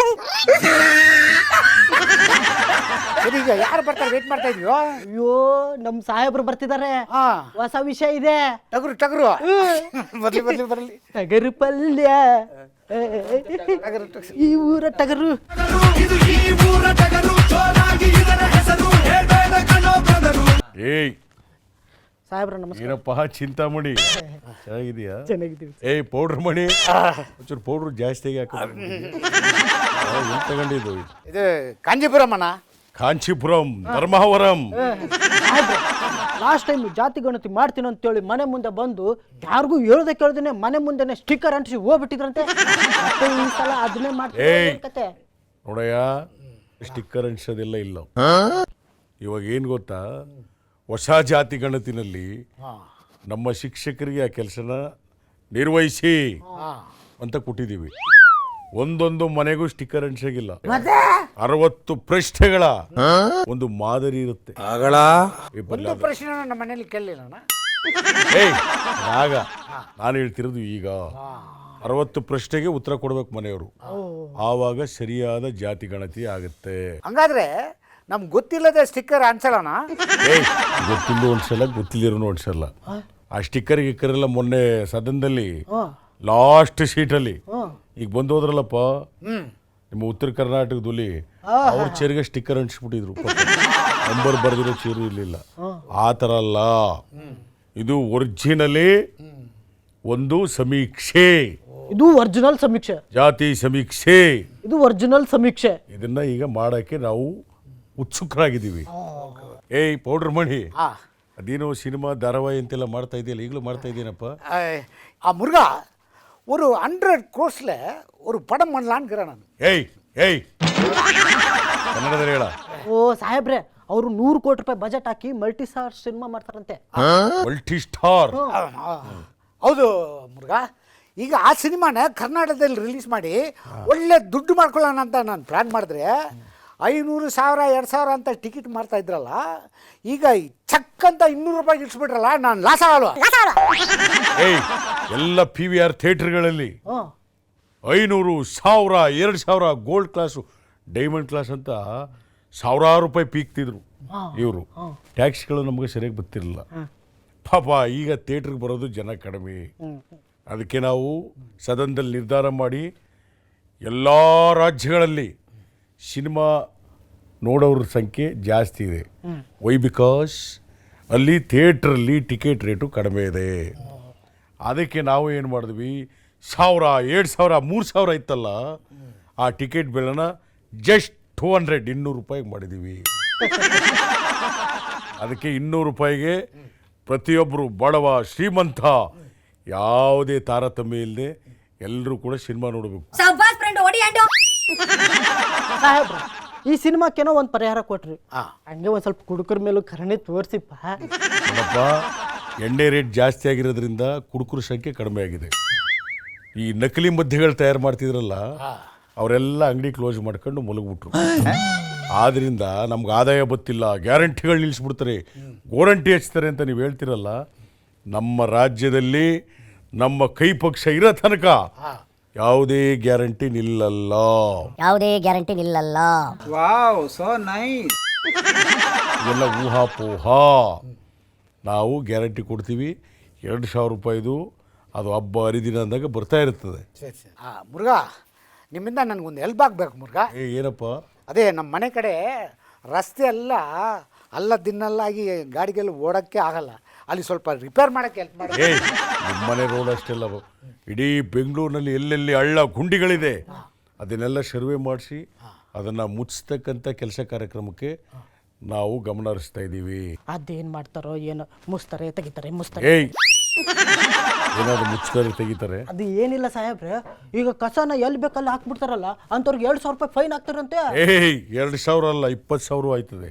F: ಸರಿ, ಈಗ ಯಾರು ಬರ್ತಾರೆ ವೇಟ್ ಮಾಡ್ತಾ ಇದೀವೋ?
C: ಅಯ್ಯೋ, ನಮ್ ಸಾಹೇಬ್ರು ಬರ್ತಿದ್ದಾರೆ,
F: ಹಾ,
C: ಹೊಸ ವಿಷಯ ಇದೆ.
F: ಟಗರು ಟಗರು ಬರ್ಲಿ ಬರ್ಲಿ ಬರ್ಲಿ.
C: ಟಗರು ಪಲ್ಯ, ಈ ಊರ ಟಗರು.
H: ಏಯ್
C: ಸಾಹೇಬ್ರ ನಮಸ್ಕಾರ.
H: ಏನಪ್ಪ ಚಿಂತಾಮಣಿ, ಚೆನ್ನಾಗಿದೆಯಾ?
C: ಚೆನ್ನಾಗಿದ್ದೀವಿ.
H: ಏಯ್ ಪೌಡ್ರ್ ಮಣಿ, ಒಂಚೂರು ಪೌಡ್ರು ಜಾಸ್ತಿಯಾಗಿ ಹಾಕ. ಎಲ್ಲಿ ತಗೊಂಡಿದ್ದು?
F: ಇದು ಕಾಂಜೀಪುರಂ ಅಣ್ಣ.
H: ಕಾಂಚೀಪುರಂ, ಧರ್ಮಾವರಂ.
C: ಲಾಸ್ಟ್ ಟೈಮ್ ಜಾತಿ ಗಣತಿ ಮಾಡ್ತೀನಿ ಅಂತೇಳಿ ಮನೆ ಮುಂದೆ ಬಂದು ಯಾರಿಗೂ ಹೇಳ್ದೆ ಕೇಳ್ದೇನೆ ಮನೆ ಮುಂದೆನೆ ಸ್ಟಿಕ್ಕರ್ ಅಂಟಿಸಿ ಹೋಗ್ಬಿಟ್ಟಿದ್ರಂತೆ. ಮತ್ತೆ ಈ ಸಲ ಅದನ್ನೇ ಮಾಡ್ತೀನಿ.
H: ನೋಡಯ್ಯ, ಸ್ಟಿಕ್ಕರ್ ಅಂಟಿಸೋದೆಲ್ಲ ಇಲ್ಲ. ಇವಾಗ ಏನು ಗೊತ್ತಾ, ಹೊಸ ಜಾತಿ ಗಣತಿನಲ್ಲಿ ನಮ್ಮ ಶಿಕ್ಷಕರಿಗೆ ಆ ಕೆಲಸನ ನಿರ್ವಹಿಸಿ ಅಂತ ಕೊಟ್ಟಿದ್ದೀವಿ. ಒಂದೊಂದು ಮನೆಗೂ ಸ್ಟಿಕ್ಕರ್ ಅಂಟಿಸಾಗಿಲ್ಲ. ಅರವತ್ತು ಪ್ರಶ್ನೆಗಳ ಒಂದು ಮಾದರಿ ಇರುತ್ತೆ.
F: ಒಂದು ಪ್ರಶ್ನೆ ನಮ್ಮ ಮನೇಲಿ ಕೇಳಲಿಲ್ಲ.
H: ಏಯ್ ಆಗ ನಾನು ಹೇಳ್ತಿರೋದು ಈಗ ಅರವತ್ತು ಪ್ರಶ್ನೆಗೆ ಉತ್ತರ ಕೊಡ್ಬೇಕು ಮನೆಯವರು, ಆವಾಗ ಸರಿಯಾದ ಜಾತಿ ಗಣತಿ ಆಗುತ್ತೆ.
F: ಹಂಗಾದ್ರೆ ನಮ್ಗೆ ಗೊತ್ತಿಲ್ಲದೆ ಸ್ಟಿಕ್ಕರ್ ಅನ್ಸಲ್ಲಣ್ಣ.
H: ಏಯ್ ಗೊತ್ತಿಲ್ಲ ಒಂದ್ಸಲ, ಗೊತ್ತಿಲ್ಲಿರೋನು ಒಂದ್ಸಲ. ಆ ಸ್ಟಿಕ್ಕರ್ ಗಿಕ್ಕರ್ ಎಲ್ಲ ಮೊನ್ನೆ ಸದನದಲ್ಲಿ
C: ಹಾಂ
H: ಲಾಸ್ಟ್ ಸೀಟಲ್ಲಿ
C: ಹಾಂ
H: ಈಗ ಬಂದು ಹೋದ್ರಲ್ಲಪ್ಪ ನಿಮ್ಮ ಉತ್ತರ ಕರ್ನಾಟಕದಲ್ಲಿ ಅವ್ರ ಚೇರಿಗೆ ಸ್ಟಿಕ್ಕರ್ ಅಂಟಿಸ್ಬಿಟ್ಟಿದ್ರು ನಂಬರ್ ಬರೆದಿರೋ ಚೇರು ಇರಲಿಲ್ಲ. ಆ ಥರ ಅಲ್ಲ, ಇದು ಒರಿಜಿನಲಿ ಒಂದು ಸಮೀಕ್ಷೆ,
C: ಇದು ಒರಿಜಿನಲ್ ಸಮೀಕ್ಷೆ,
H: ಜಾತಿ ಸಮೀಕ್ಷೆ.
C: ಇದು ಒರಿಜಿನಲ್ ಸಮೀಕ್ಷೆ.
H: ಇದನ್ನ ಈಗ ಮಾಡೋಕ್ಕೆ ನಾವು ಉತ್ಸುಕರಾಗಿದ್ದೀವಿ. ಏಯ್ ಪೌಡರ್ ಮಣಿ, ಅದೇನೋ ಸಿನಿಮಾ ಧಾರಾವಾಹಿ ಅಂತೆಲ್ಲ ಮಾಡ್ತಾ ಇದೆಯಲ್ಲ, ಈಗಲೂ ಮಾಡ್ತಾ ಇದ್ದೀನಪ್ಪ.
F: ಆ ಮುರುಘ ஒரு ஹண்ட்ரட் கோர்ஸில் ஒரு படம் பண்ணலான்னு நான்.
H: ಏಯ್ ಏಯ್ ಕನ್ನಡದಲ್ಲಿ ಹೇಳ.
C: ಓ ಸಾಹೇಬ್ರೆ, ಅವರು ನೂರು ಕೋಟಿ ರೂಪಾಯಿ ಬಜೆಟ್ ಹಾಕಿ ಮಲ್ಟಿ ಸ್ಟಾರ್ ಸಿನಿಮಾ ಮಾಡ್ತಾರಂತೆ.
H: Multi star?
F: ಹೌದು ಮುರುಘ, ಈಗ ಆ ಸಿನಿಮಾನ ಕರ್ನಾಟಕದಲ್ಲಿ ರಿಲೀಸ್ ಮಾಡಿ ಒಳ್ಳೆ ದುಡ್ಡು ಮಾಡ್ಕೊಳ್ಳೋಣ ಅಂತ ನಾನು ಪ್ಲ್ಯಾನ್ ಮಾಡಿದ್ರೆ ಐನೂರು ಸಾವಿರ ಎರಡು ಸಾವಿರ ಅಂತ ಟಿಕೆಟ್ ಮಾಡ್ತಾ ಇದ್ರಲ್ಲ, ಈಗ ಚಕ್ ಅಂತ ಇನ್ನೂರು ರೂಪಾಯಿ ಇಳಿಸ್ಬಿಟ್ರಲ್ಲ, ನಾನು ಲಾಸ್ ಆಗಲ್ವ?
H: ಏಯ್ ಎಲ್ಲ ಪಿ ವಿ ಆರ್ ಥಿಯೇಟರ್ಗಳಲ್ಲಿ ಐನೂರು ಸಾವಿರ ಎರಡು ಸಾವಿರ ಗೋಲ್ಡ್ ಕ್ಲಾಸು ಡೈಮಂಡ್ ಕ್ಲಾಸ್ ಅಂತ ಸಾವಿರಾರು ರೂಪಾಯಿ ಪೀಕ್ತಿದ್ರು ಇವರು. ಟ್ಯಾಕ್ಸ್ಗಳು ನಮಗೆ ಸರಿಯಾಗಿ ಗೊತ್ತಿರಲಿಲ್ಲ ಪಾಪ. ಈಗ ಥಿಯೇಟ್ರಿಗೆ ಬರೋದು ಜನ ಕಡಿಮೆ. ಅದಕ್ಕೆ ನಾವು ಸದನದಲ್ಲಿ ನಿರ್ಧಾರ ಮಾಡಿ ಎಲ್ಲ ರಾಜ್ಯಗಳಲ್ಲಿ ಸಿನಿಮಾ ನೋಡೋರ ಸಂಖ್ಯೆ ಜಾಸ್ತಿ ಇದೆ. ವೈ ಬಿಕಾಸ್ ಅಲ್ಲಿ ಥಿಯೇಟ್ರಲ್ಲಿ ಟಿಕೆಟ್ ರೇಟು ಕಡಿಮೆ ಇದೆ. ಅದಕ್ಕೆ ನಾವು ಏನು ಮಾಡಿದ್ವಿ, ಸಾವಿರ ಎರಡು ಸಾವಿರ ಮೂರು ಸಾವಿರ ಇತ್ತಲ್ಲ, ಆ ಟಿಕೆಟ್ ಬೆಲೆನ ಜಸ್ಟ್ ಟೂ ಹಂಡ್ರೆಡ್ ಇನ್ನೂರು ರೂಪಾಯಿಗೆ ಮಾಡಿದ್ದೀವಿ. ಅದಕ್ಕೆ ಇನ್ನೂರು ರೂಪಾಯಿಗೆ ಪ್ರತಿಯೊಬ್ಬರು ಬಡವ ಶ್ರೀಮಂತ ಯಾವುದೇ ತಾರತಮ್ಯ ಇಲ್ಲದೆ ಎಲ್ಲರೂ ಕೂಡ ಸಿನಿಮಾ ನೋಡಬೇಕು.
C: ಸಾಹೇಬ್ರ, ಈ ಸಿನಿಮಾಕ್ಕೇನೋ ಒಂದು ಪರಿಹಾರ ಕೊಟ್ರಿ, ಹಂಗೆ ಒಂದು ಸ್ವಲ್ಪ ಕುಡುಕರ ಮೇಲೂ ಕರುಣೆ ತೋರಿಸಿಪ್ಪ.
H: ನೋಡಪ್ಪ, ಎಣ್ಣೆ ರೇಟ್ ಜಾಸ್ತಿ ಆಗಿರೋದ್ರಿಂದ ಕುಡುಕರ ಸಂಖ್ಯೆ ಕಡಿಮೆ ಆಗಿದೆ. ಈ ನಕಲಿ ಮದ್ಯಗಳು ತಯಾರು ಮಾಡ್ತಿದ್ರಲ್ಲ, ಅವರೆಲ್ಲ ಅಂಗಡಿ ಕ್ಲೋಸ್ ಮಾಡ್ಕೊಂಡು ಮಲಗಿಬಿಟ್ರು. ಆದ್ರಿಂದ ನಮ್ಗೆ ಆದಾಯ ಗೊತ್ತಿಲ್ಲ, ಗ್ಯಾರಂಟಿಗಳು ನಿಲ್ಲಿಸ್ಬಿಡ್ತಾರೆ, ಗೋರಂಟಿ ಹಚ್ತಾರೆ ಅಂತ ನೀವು ಹೇಳ್ತಿರಲ್ಲ. ನಮ್ಮ ರಾಜ್ಯದಲ್ಲಿ ನಮ್ಮ ಕೈ ಪಕ್ಷ ಇರೋ ತನಕ ಯಾವುದೇ ಗ್ಯಾರಂಟಿ ನಿಲ್ಲಲ್ಲ.
E: ಯಾವುದೇ ಗ್ಯಾರಂಟಿ ನಿಲ್ಲಲ್ಲ.
I: Wow, so nice.
H: ಇವೆಲ್ಲ ಊಹಾಪೋಹ. ನಾವು ಗ್ಯಾರಂಟಿ ಕೊಡ್ತೀವಿ. ಎರಡು ಸಾವಿರ ರೂಪಾಯಿದು ಅದು ಹಬ್ಬ ಹರಿದಿನ ಅಂದಾಗ ಬರ್ತಾ ಇರ್ತದೆ.
F: ಮುರುಘ, ನಿಮ್ಮಿಂದ ನನಗೊಂದು ಹೆಲ್ಪ್ ಆಗಬೇಕು ಮುರುಘ.
H: ಏ ಏನಪ್ಪ?
F: ಅದೇ ನಮ್ಮ ಮನೆ ಕಡೆ ರಸ್ತೆ ಎಲ್ಲ ಅಲ್ಲ ದಿನ್ನಲ್ಲಾಗಿ ಗಾಡಿಗೆಲ್ಲ ಓಡೋಕ್ಕೆ ಆಗಲ್ಲ, ಅಲ್ಲಿ ಸ್ವಲ್ಪ ರಿಪೇರ್ ಮಾಡೋಕ್ಕೆ ಹೆಲ್ಪ್ ಮಾಡಿ.
H: ಏ ನಿಮ್ಮನೆ ರೋಡ್ ಅಷ್ಟೆಲ್ಲ, ಇಡೀ ಬೆಂಗಳೂರಿನಲ್ಲಿ ಎಲ್ಲೆಲ್ಲಿ ಹಳ್ಳ ಗುಂಡಿಗಳಿದೆ ಅದನ್ನೆಲ್ಲ ಸರ್ವೆ ಮಾಡಿಸಿ ಅದನ್ನು ಮುಚ್ಚಿಸ್ತಕ್ಕಂಥ ಕೆಲಸ ಕಾರ್ಯಕ್ರಮಕ್ಕೆ ನಾವು ಗಮನ ಹರಿಸ್ತಾ ಇದ್ದೀವಿ.
C: ಅದೇನು ಮಾಡ್ತಾರೋ ಏನೋ, ಮುಸ್ತಾರೆ ತೆಗಿತಾರೆ ಮುಸ್ತಾರೆ.
H: ಏಯ್ ಏನಾದ್ರು ಮುಚ್ತಾರೆ ತೆಗಿತಾರೆ?
C: ಅದು ಏನಿಲ್ಲ ಸಾಹೇಬ್ರೆ, ಈಗ ಕಸನ ಎಲ್ಲಿ ಬೇಕಲ್ಲಿ ಹಾಕ್ಬಿಡ್ತಾರಲ್ಲ, ಅಂಥವ್ರಿಗೆ ಎರಡು ಸಾವಿರ ರೂಪಾಯಿ ಫೈನ್ ಹಾಕ್ತಾರಂತೆ.
H: ಏಯ್ ಎರಡು ಸಾವಿರ ಅಲ್ಲ, ಇಪ್ಪತ್ತು ಸಾವಿರ ಆಯ್ತದೆ.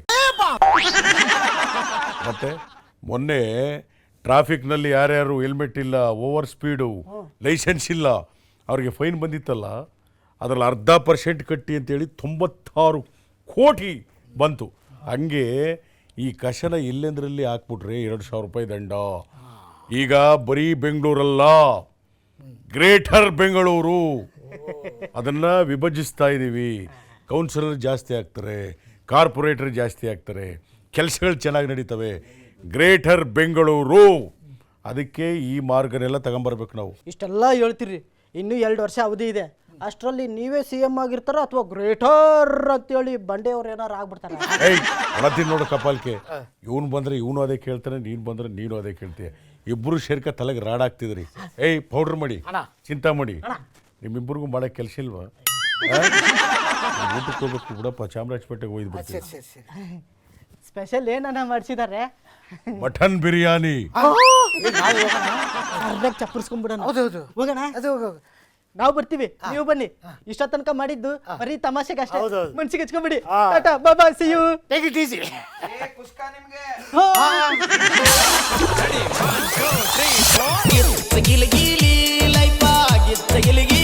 H: ಮತ್ತೆ ಮೊನ್ನೆ ಟ್ರಾಫಿಕ್ನಲ್ಲಿ ಯಾರ್ಯಾರು ಹೆಲ್ಮೆಟ್ ಇಲ್ಲ, ಓವರ್ ಸ್ಪೀಡು, ಲೈಸೆನ್ಸ್ ಇಲ್ಲ, ಅವ್ರಿಗೆ ಫೈನ್ ಬಂದಿತ್ತಲ್ಲ, ಅದರಲ್ಲಿ ಅರ್ಧ ಪರ್ಸೆಂಟ್ ಕಟ್ಟಿ ಅಂತೇಳಿ ತೊಂಬತ್ತಾರು ಕೋಟಿ ಬಂತು. ಹಂಗೆ ಈ ಕಸನ ಎಲ್ಲೆಂದ್ರಲ್ಲಿ ಹಾಕ್ಬಿಟ್ರೆ ಎರಡು ಸಾವಿರ ರೂಪಾಯಿ ದಂಡ. ಈಗ ಬರೀ ಬೆಂಗಳೂರಲ್ಲ, ಗ್ರೇಟರ್ ಬೆಂಗಳೂರು ಅದನ್ನು ವಿಭಜಿಸ್ತಾ ಇದ್ದೀವಿ. ಕೌನ್ಸಿಲರ್ ಜಾಸ್ತಿ ಆಗ್ತಾರೆ, ಕಾರ್ಪೊರೇಟರ್ ಜಾಸ್ತಿ ಆಗ್ತಾರೆ, ಕೆಲಸಗಳು ಚೆನ್ನಾಗಿ ನಡೀತವೆ. ಗ್ರೇಟರ್ ಬೆಂಗಳೂರು, ಅದಕ್ಕೆ ಈ ಮಾರ್ಗನೆಲ್ಲ ತಗೊಂಬರ್ಬೇಕು ನಾವು.
C: ಇಷ್ಟೆಲ್ಲ ಹೇಳ್ತೀರಿ, ಇನ್ನೂ ಎರಡು ವರ್ಷ ಅವಧಿ ಇದೆ. ಅಷ್ಟರಲ್ಲಿ ನೀವೇ ಸಿ ಎಮ್ ಆಗಿರ್ತಾರ ಅಥವಾ ಗ್ರೇಟರ್ ಅಂತೇಳಿ ಬಂಡೆಯವ್ರು ಏನಾರು ಆಗ್ಬಿಡ್ತಾರೆ.
H: ಏಯ್ ಒಳತೀನಿ ನೋಡು ಕಪಾಲ್ಕೆ, ಇವನು ಬಂದರೆ ಇವನು ಅದೇ ಕೇಳ್ತಾನೆ, ನೀನು ಬಂದರೆ ನೀನು ಅದೇ ಕೇಳ್ತೀಯ. ಇಬ್ಬರು ಸೇರ್ಕ ತಲೆಗೆ ರಾಡಾಗ್ತಿದ್ರಿ. ಏಯ್ ಪೌಡ್ರ್ ಮಾಡಿ, ಚಿಂತಾ ಮಾಡಿ, ನಿಮ್ಮಿಬ್ಬರಿಗೂ ಮಾಡೋಕ್ಕೆ ಕೆಲಸ ಇಲ್ವಾ? ಊಟಕ್ಕೆ ಹೋಗ್ಬೇಕು ಬಿಡಪ್ಪ, ಚಾಮರಾಜಪೇಟೆಗೆ ಹೋಯ್ದು ಬರ್ತೀವಿ.
C: ಸ್ಪೆಷಲ್ ಏನನ್ನ ಮಾಡಿಸಿದ್ದಾರೆ?
H: ಮಟನ್ ಬಿರಿಯಾನಿ.
C: ಚಪ್ಪರ್ಸ್ಕೊಂಡ್ಬಿಡೋಣ.
F: ಹೌದೌದು,
C: ಹೋಗೋಣ.
F: ಅದು
C: ನಾವು ಬರ್ತೀವಿ, ನೀವು ಬನ್ನಿ. ಇಷ್ಟ ತನಕ ಮಾಡಿದ್ದು ಬರೀ ತಮಾಷೆಗೆ ಅಷ್ಟೇ,
F: ಹೌದೌದು.
C: ಮನ್ಸಿಗೆ ಹಚ್ಕೊಂಬಿಡಿ. Tata bye bye, see you.
F: Take it easy.
I: ಕುಸ್ಕಾ ನಿಮ್ಗೆ
A: ಗಿತ್ತ ಗಿಲಿ ಗಿಲಿ ಲೈಫ್ ಆಗಿತ್ತ ಗಿಲಿ ಗಿಲಿ